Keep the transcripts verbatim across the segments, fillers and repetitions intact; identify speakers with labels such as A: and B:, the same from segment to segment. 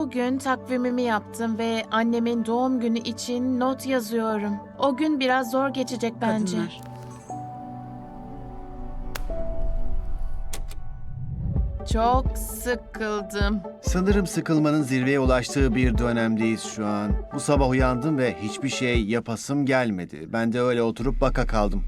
A: Bugün takvimimi yaptım ve annemin doğum günü için not yazıyorum. O gün biraz zor geçecek bence.
B: Kadınlar.
A: Çok sıkıldım.
C: Sanırım sıkılmanın zirveye ulaştığı bir dönemdeyiz şu an. Bu sabah uyandım ve hiçbir şey yapasım gelmedi. Ben de öyle oturup baka kaldım.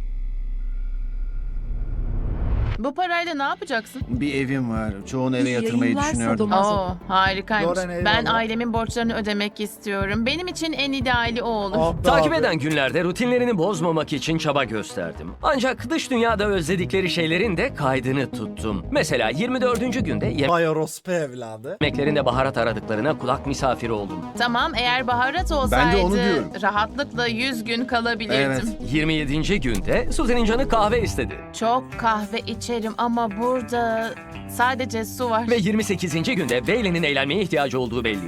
A: Bu parayla ne yapacaksın?
C: Bir evim var. Çoğunu eve
B: İyi
C: yatırmayı
B: yayınlar
C: düşünüyordum.
B: Sadomaso.
A: Oo, harikaymış.
D: Loren, eyvallah.
A: Ben ailemin borçlarını ödemek istiyorum. Benim için en ideali o olur.
D: Abi,
E: Takip
D: abi.
E: eden günlerde rutinlerini bozmamak için çaba gösterdim. Ancak dış dünyada özledikleri şeylerin de kaydını tuttum. Mesela yirmi dördüncü günde
D: Vay orospu evladı.
E: yemeklerinde baharat aradıklarına kulak misafiri oldum.
A: Tamam, eğer baharat olsaydı
C: Ben de onu diyorum.
A: rahatlıkla yüz gün kalabilirdim.
C: Evet.
E: yirmi yedinci günde Suzy'nin canı kahve istedi.
A: Çok kahve içerim ama burada sadece su var.
E: Ve yirmi sekizinci günde Bailey'nin eğlenmeye ihtiyacı olduğu belli.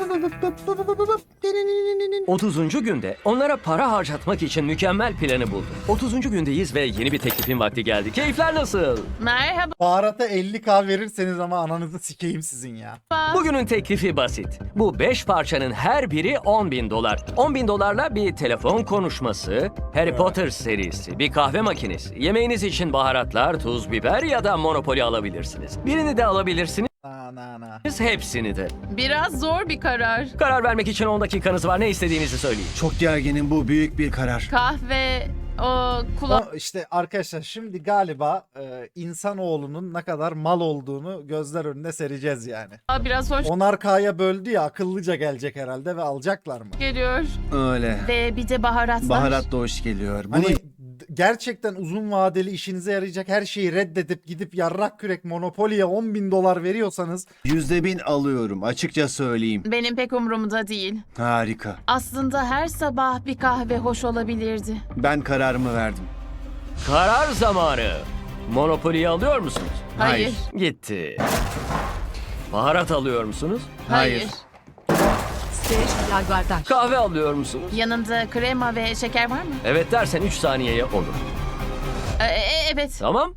E: otuzuncu günde onlara para harcatmak için mükemmel planı buldum. otuzuncu gündeyiz ve yeni bir teklifin vakti geldi. Keyifler nasıl?
A: Merhaba.
D: Baharata elli k verirseniz ama ananızı sikeyim sizin ya.
E: Bugünün teklifi basit. Bu beş parçanın her biri on bin dolar. on bin dolarla bir telefon konuşması, Harry Potter serisi, bir kahve makinesi, yemeğiniz için baharatlar, tuz, biber ya da Monopoly alabilirsiniz. Birini de alabilirsiniz,
D: Na na na.
E: hepsini de.
A: Biraz zor bir karar.
E: Karar vermek için on dakikanız var. Ne istediğinizi söyleyin.
C: Çok gerginim, bu büyük bir karar.
A: Kahve, o kulak...
D: O işte arkadaşlar şimdi galiba e, insanoğlunun ne kadar mal olduğunu gözler önüne sereceğiz yani.
A: biraz hoş
D: onar k'ya böldü ya, akıllıca gelecek herhalde ve alacaklar mı?
A: geliyor.
C: Öyle.
A: Ve bir de baharatlar.
C: Baharat da hoş geliyor. Bunu
D: Hani d- gerçekten uzun vadeli işinize yarayacak her şeyi reddedip gidip yarrak kürek Monopoly'ye on bin dolar veriyorsanız
C: yüzde bin alıyorum. Açıkça söyleyeyim.
A: Benim pek umurumda değil.
C: Harika.
A: Aslında her sabah bir kahve hoş olabilirdi.
C: Ben kararımı verdim.
E: Karar zamanı. Monopoly'yi alıyor musunuz?
A: Hayır.
E: Gitti. Baharat alıyor musunuz?
A: Hayır.
C: Hayır.
B: Serge Lagardaş.
E: Kahve alıyor musunuz?
A: Yanında krema ve şeker var mı?
E: Evet dersen üç saniyeye olur.
A: Ee, e- evet.
E: Tamam.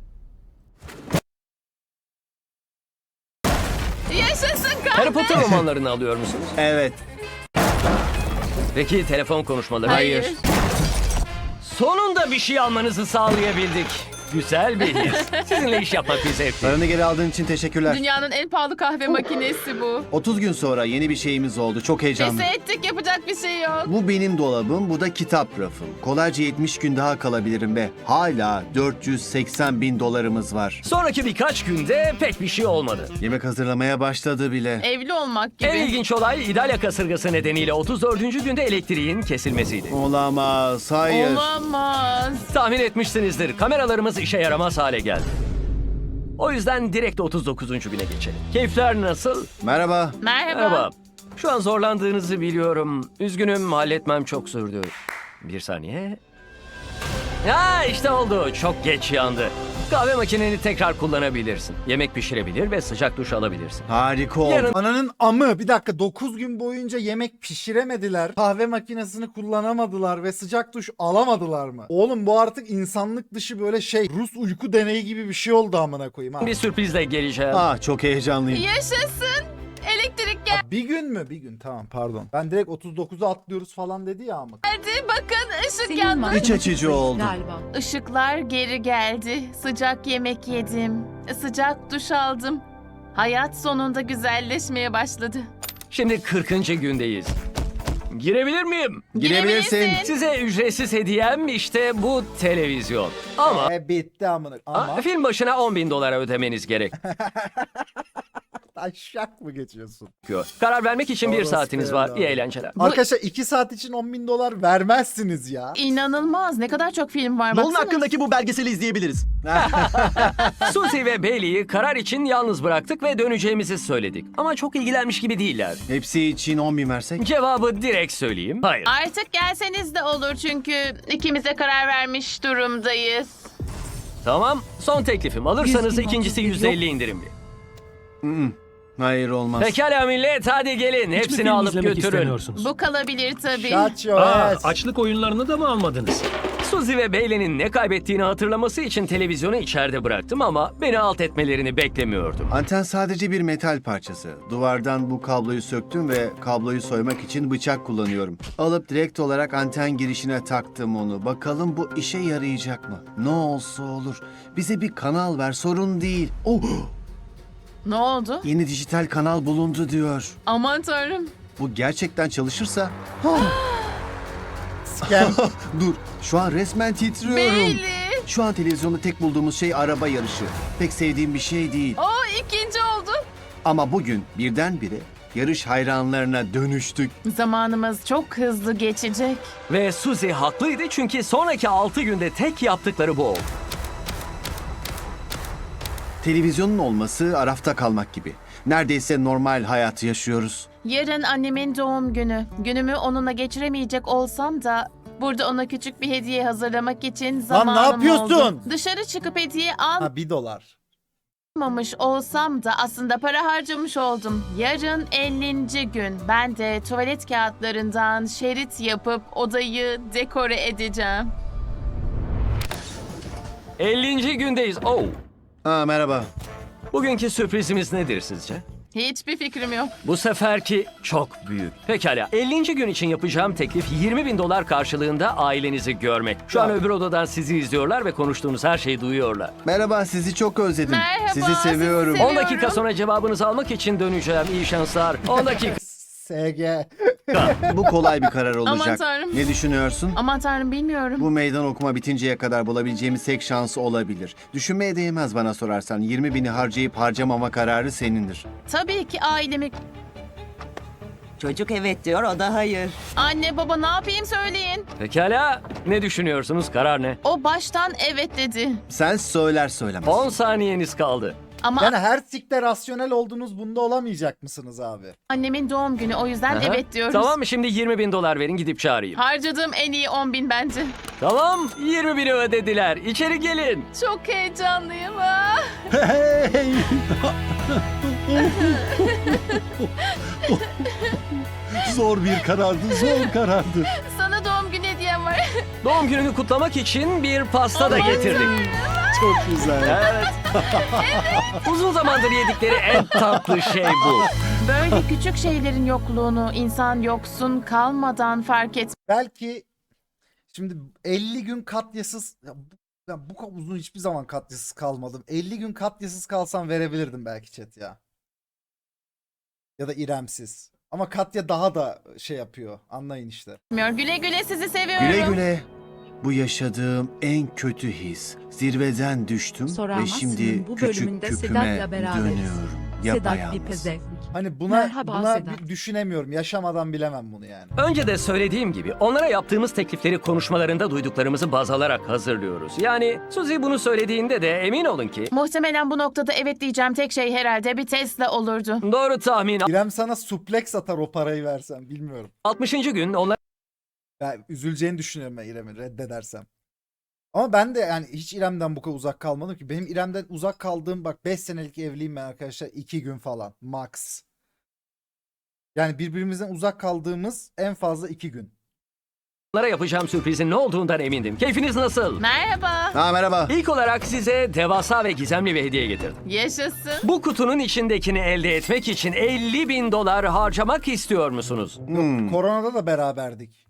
A: Yaşasın kahve.
E: Harry Potter romanlarını alıyor musunuz?
C: Evet.
E: Peki telefon konuşmaları?
A: Hayır.
E: Sonunda bir şey almanızı sağlayabildik. Güzel bir his. Sizinle iş yapmak bir zevkli.
C: Paranı geri aldığın için teşekkürler.
A: Dünyanın en pahalı kahve makinesi bu.
C: otuz gün sonra yeni bir şeyimiz oldu. Çok heyecanlı.
A: Pes ettik, yapacak bir şey yok.
C: Bu benim dolabım, bu da kitap rafım. Kolayca yetmiş gün daha kalabilirim ve hala dört yüz seksen bin dolarımız var.
E: Sonraki birkaç günde pek bir şey olmadı.
C: Yemek hazırlamaya başladı bile.
A: Evli olmak gibi.
E: En ilginç olay İdalya kasırgası nedeniyle otuz dördüncü günde elektriğin kesilmesiydi.
C: Olamaz, hayır.
A: Olamaz.
E: Tahmin etmişsinizdir, kameralarımız işe yaramaz hale geldi. O yüzden direkt otuz dokuzuncu güne geçelim. Keyifler nasıl?
C: Merhaba.
A: Merhaba.
E: Merhaba. Şu an zorlandığınızı biliyorum. Üzgünüm, halletmem çok sürdü. Bir saniye. Ya işte oldu. Çok geç yandı. Kahve makineni tekrar kullanabilirsin. Yemek pişirebilir ve sıcak duş alabilirsin.
C: Harika oldu.
E: Yarın-
D: Ananın amı, bir dakika, dokuz gün boyunca yemek pişiremediler. Kahve makinesini kullanamadılar ve sıcak duş alamadılar mı? Oğlum bu artık insanlık dışı böyle şey Rus uyku deneyi gibi bir şey oldu amına koyayım ha.
E: Bir sürprizle geleceğim.
C: Ah, çok heyecanlıyım.
A: Yaşasın. Elektrik geldi.
D: Bir gün mü? Bir gün, tamam, pardon. Ben direkt otuz dokuza atlıyoruz falan dedi ya ama.
A: Bakın ışık
B: Senin
A: yandı.
B: makyajın
C: İç açıcı
B: zayıf
C: oldu.
B: Galiba.
A: Işıklar geri geldi. Sıcak yemek yedim. Sıcak duş aldım. Hayat sonunda güzelleşmeye başladı.
E: Şimdi kırkıncı gündeyiz. Girebilir miyim?
C: Girebilirsin.
E: Size ücretsiz hediyem işte bu televizyon. Ama
D: E bitti amına.
E: Aa,
D: Ama
E: film başına on bin dolara ödemeniz gerek.
D: taşak mı geçiyorsun?
E: Karar vermek için bir
D: Orası
E: saatiniz var.
D: fena.
E: İyi eğlenceler.
D: Arkadaşlar iki saat için on bin dolar vermezsiniz ya.
A: İnanılmaz. Ne kadar çok film var.
F: Nolan
A: Baksana.
F: hakkındaki bu belgeseli izleyebiliriz.
E: Suzy ve Bailey'i karar için yalnız bıraktık ve döneceğimizi söyledik. Ama çok ilgilenmiş gibi değiller.
C: Hepsi için on bin versek?
E: Cevabı direkt söyleyeyim. Hayır.
A: Artık gelseniz de olur çünkü ikimize karar vermiş durumdayız.
E: Tamam. Son teklifim. Alırsanız
B: Yüz bin
E: ikincisi
B: otuz bir
E: yüzde elli indirimli.
C: Hayır olmaz.
E: Pekala millet hadi gelin.
F: Hiç mi
E: Hepsini
F: film
E: alıp
F: izlemek
E: götürün.
F: istemiyorsunuz?
A: Bu kalabilir tabii.
D: Shut your
F: Aa,
D: ass.
F: açlık oyunlarını da mı almadınız?
E: Suzy ve Bailey'nin ne kaybettiğini hatırlaması için televizyonu içeride bıraktım ama beni alt etmelerini beklemiyordum.
C: Anten sadece bir metal parçası. Duvardan bu kabloyu söktüm ve kabloyu soymak için bıçak kullanıyorum. Alıp direkt olarak anten girişine taktım onu. Bakalım bu işe yarayacak mı? Ne olsa olur. Bize bir kanal ver, sorun değil. Oh!
A: Ne oldu?
C: Yeni dijital kanal bulundu diyor.
A: Aman tanrım.
C: Bu gerçekten çalışırsa...
D: Scam.
C: Dur, şu an resmen titriyorum.
A: Bailey.
C: Şu an televizyonda tek bulduğumuz şey araba yarışı. Pek sevdiğim bir şey değil.
A: O ikinci oldu.
C: Ama bugün birdenbire yarış hayranlarına dönüştük.
A: Zamanımız çok hızlı geçecek.
E: Ve Suzy haklıydı çünkü sonraki altı günde tek yaptıkları bu oldu.
C: Televizyonun olması arafta kalmak gibi. Neredeyse normal hayatı yaşıyoruz.
A: Yarın annemin doğum günü. Günümü onunla geçiremeyecek olsam da burada ona küçük bir hediye hazırlamak için zamanım
D: yapıyorsun?
A: oldu. Dışarı çıkıp hediye
D: Ha bir dolar.
A: almamış olsam da aslında para harcamış oldum. Yarın ellinci gün. Ben de tuvalet kağıtlarından şerit yapıp odayı dekore edeceğim.
E: ellinci gündeyiz. Oh.
C: Aa, merhaba.
E: Bugünkü sürprizimiz nedir sizce?
A: Hiçbir fikrim yok.
E: Bu seferki çok büyük. Pekala. ellinci gün için yapacağım teklif yirmi bin dolar karşılığında ailenizi görmek. Şu an
D: Ya.
E: öbür odadan sizi izliyorlar ve konuştuğunuz her şeyi duyuyorlar.
C: Merhaba, sizi çok özledim.
A: Merhaba,
C: sizi
A: sizi
C: seviyorum.
A: seviyorum.
E: on dakika sonra cevabınızı almak için döneceğim. İyi şanslar. on dakika.
D: S G.
C: Bu kolay bir karar olacak.
A: tanrım.
C: Ne düşünüyorsun?
A: Aman tanrım bilmiyorum.
C: Bu meydan okuma bitinceye kadar bulabileceğimiz tek şansı olabilir. Düşünmeye değmez bana sorarsan. yirmi bini harcayıp harcamama kararı senindir.
A: Tabii ki ailemi...
G: Çocuk evet diyor, o da hayır.
A: Anne baba ne yapayım söyleyin.
E: Pekala. Ne düşünüyorsunuz? Karar ne?
A: O baştan evet dedi.
C: Sen söyler söylemez.
E: on saniyeniz kaldı.
A: Ama
D: Yani her sikte rasyonel oldunuz, bunda olamayacak mısınız abi?
A: annemin doğum günü o yüzden
E: Aha.
A: evet diyoruz.
E: Tamam mı? Şimdi yirmi bin dolar verin gidip çağırayım.
A: Harcadığım en iyi on bin bence.
E: Tamam. yirmi bini ödediler. İçeri gelin.
A: Çok heyecanlıyım. Ah.
F: Hey! Zor bir karardı, zor karardı.
A: Sana doğum günü hediyem var.
E: Doğum gününü kutlamak için bir pasta da getirdik.
F: Çok güzel.
E: Evet. Uzun zamandır yedikleri en tatlı şey bu.
A: Böyle küçük şeylerin yokluğunu insan yoksun kalmadan fark et.
D: Belki şimdi elli gün katyasız ya bu, ya bu kadar uzun hiçbir zaman katyasız kalmadım. elli gün katyasız kalsam verebilirdim belki chat ya. Ya da İremsiz. Ama Katya daha da şey yapıyor. Anlayın işte.
A: Güle güle sizi seviyorum.
C: Güle güle. Bu yaşadığım en kötü his. Zirveden düştüm ve
B: Soramazsın,
C: şimdi
B: bu
C: küçük
B: bölümünde
C: küpüme
B: Sedat'la beraberiz.
C: dönüyorum.
B: Sedat bir
C: Yapayalnız.
B: pezevk.
D: Hani buna
B: Merhaba
D: buna
B: Sedat.
D: bir düşünemiyorum. Yaşamadan bilemem bunu yani.
E: Önce de söylediğim gibi onlara yaptığımız teklifleri konuşmalarında duyduklarımızı baz alarak hazırlıyoruz. Yani Suzy bunu söylediğinde de emin olun ki
A: Muhtemelen bu noktada evet diyeceğim tek şey herhalde bir Tesla olurdu.
E: doğru tahmin
D: İrem sana suplex atar o parayı versen, bilmiyorum.
E: altmışıncı gün onlar
D: Ben üzüleceğini düşünüyorum ben İrem'i reddedersem. Ama ben de yani hiç İrem'den bu kadar uzak kalmadım ki. Benim İrem'den uzak kaldığım bak beş senelik evliyim ben arkadaşlar. iki gün falan max. Yani birbirimizden uzak kaldığımız en fazla iki gün.
E: onlara yapacağım sürprizin ne olduğundan emindim. Keyfiniz nasıl?
A: Merhaba.
C: Ha, merhaba.
E: İlk olarak size devasa ve gizemli bir hediye getirdim.
A: Yaşasın.
E: Bu kutunun içindekini elde etmek için elli bin dolar harcamak istiyor musunuz?
C: Hmm.
D: Koronada da beraberdik.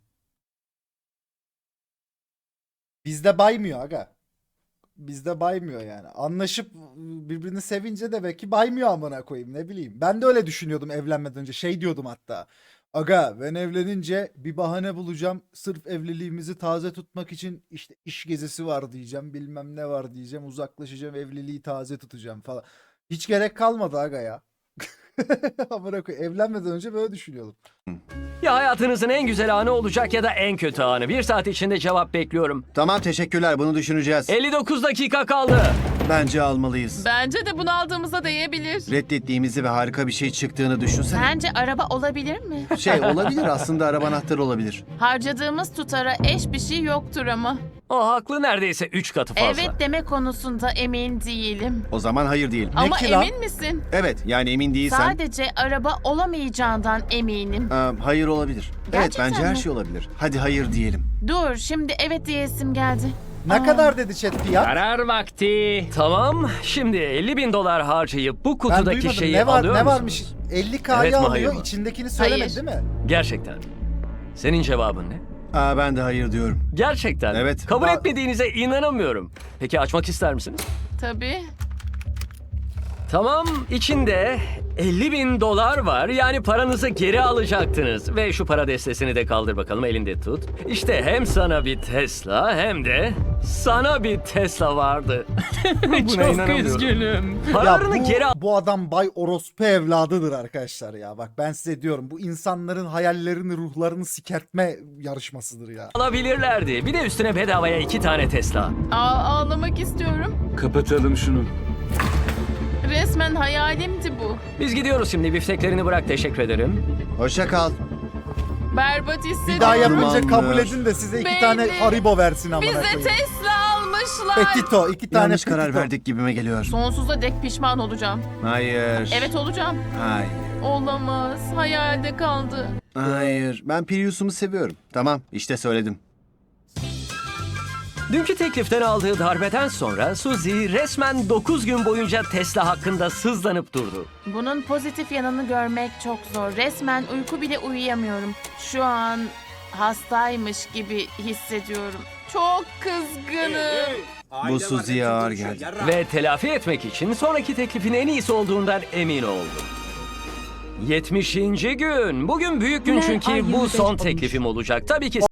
D: Bizde baymıyor aga. Bizde baymıyor yani. Anlaşıp birbirini sevince de belki baymıyor amına koyayım, ne bileyim. Ben de öyle düşünüyordum evlenmeden önce. Şey diyordum hatta. Aga ben evlenince bir bahane bulacağım. Sırf evliliğimizi taze tutmak için işte iş gezisi var diyeceğim. Bilmem ne var diyeceğim. Uzaklaşacağım, evliliği taze tutacağım falan. Hiç gerek kalmadı aga ya. Amına koyayım. Evlenmeden önce böyle düşünüyordum.
E: Ya hayatınızın en güzel anı olacak ya da en kötü anı. Bir saat içinde cevap bekliyorum.
C: Tamam, teşekkürler. Bunu düşüneceğiz.
E: elli dokuz dakika kaldı.
C: Bence almalıyız.
A: Bence de bunu aldığımıza değebilir.
C: Reddettiğimizi ve harika bir şey çıktığını düşünsene.
A: Sence araba olabilir mi?
C: Şey olabilir aslında, araba anahtarı olabilir.
A: Harcadığımız tutara eş bir şey yoktur ama.
E: O haklı, neredeyse üç katı fazla.
A: Evet deme konusunda emin değilim.
C: O zaman hayır diyelim.
A: Ama
D: ki lan?
A: emin misin?
C: Evet, yani emin değilsen
A: Sadece araba olamayacağından eminim.
C: Aa, hayır olabilir. Evet,
A: Gerçekten
C: bence her
A: mi?
C: şey olabilir. Hadi hayır diyelim.
A: Dur şimdi evet diyesim geldi.
D: Ne
A: Aa.
D: kadar dedi chat fiyat?
E: Karar vakti. Tamam, şimdi elli bin dolar harcayıp bu
D: Ben
E: kutudaki
D: duymadım.
E: şeyi
D: Ne var
E: alıyor
D: ne
E: musunuz?
D: varmış? elli K'yı
E: Evet mi, hayır
D: alıyor.
E: mı?
D: İçindekini söylemedi
A: Hayır.
D: değil mi?
E: Gerçekten. Senin cevabın ne?
C: Aa, ben de hayır diyorum.
E: Gerçekten.
C: Evet.
E: Kabul
D: Ba-
E: etmediğinize inanamıyorum. Peki açmak ister misiniz?
A: Tabii.
E: Tamam, içinde elli bin dolar var. Yani paranızı geri alacaktınız. Ve şu para destesini de kaldır bakalım, elinde tut. İşte hem sana bir Tesla hem de sana bir Tesla vardı. Çok üzgünüm.
D: Ya
E: Paralarını
D: bu,
E: geri al.
D: bu adam Bay Orospu evladıdır arkadaşlar ya. Bak ben size diyorum bu insanların hayallerini, ruhlarını sikertme yarışmasıdır ya.
E: Alabilirlerdi. Bir de üstüne bedavaya iki tane Tesla.
A: Aa, ağlamak istiyorum.
F: Kapatalım şunu.
A: Resmen hayalimdi bu.
E: Biz gidiyoruz şimdi. Bifteklerini bırak, teşekkür ederim.
C: Hoşça kal.
A: Berbat hissediyorum.
D: Bir daha yapınca
C: Dumanlar.
D: kabul edin de size iki
A: Baby.
D: tane Haribo versin amına
A: Bize
D: koyayım.
A: Tesla almışlar.
D: Petito, iki tane
C: Yanlış karar
D: Petito.
C: verdik gibime geliyor.
A: Sonsuza dek pişman olacağım.
C: Hayır.
A: Evet olacağım.
C: Hayır.
A: Olamaz. Hayalde kaldı.
C: Hayır. Ben Prius'umu seviyorum. Tamam, işte söyledim.
E: Dünkü tekliften aldığı darbeden sonra Suzy resmen dokuz gün boyunca Tesla hakkında sızlanıp durdu.
A: Bunun pozitif yanını görmek çok zor. Resmen uyku bile uyuyamıyorum. Şu an hastaymış gibi hissediyorum. Çok kızgınım.
C: Bu Suzy'ye ağır geldi.
E: Ve telafi etmek için sonraki teklifin en iyisi olduğundan emin oldu. yetmişinci gün. Bugün büyük gün
B: Güler
E: çünkü
B: ay
E: bu
B: yirmi beş
E: son
B: olmuş.
E: teklifim olacak. Tabii ki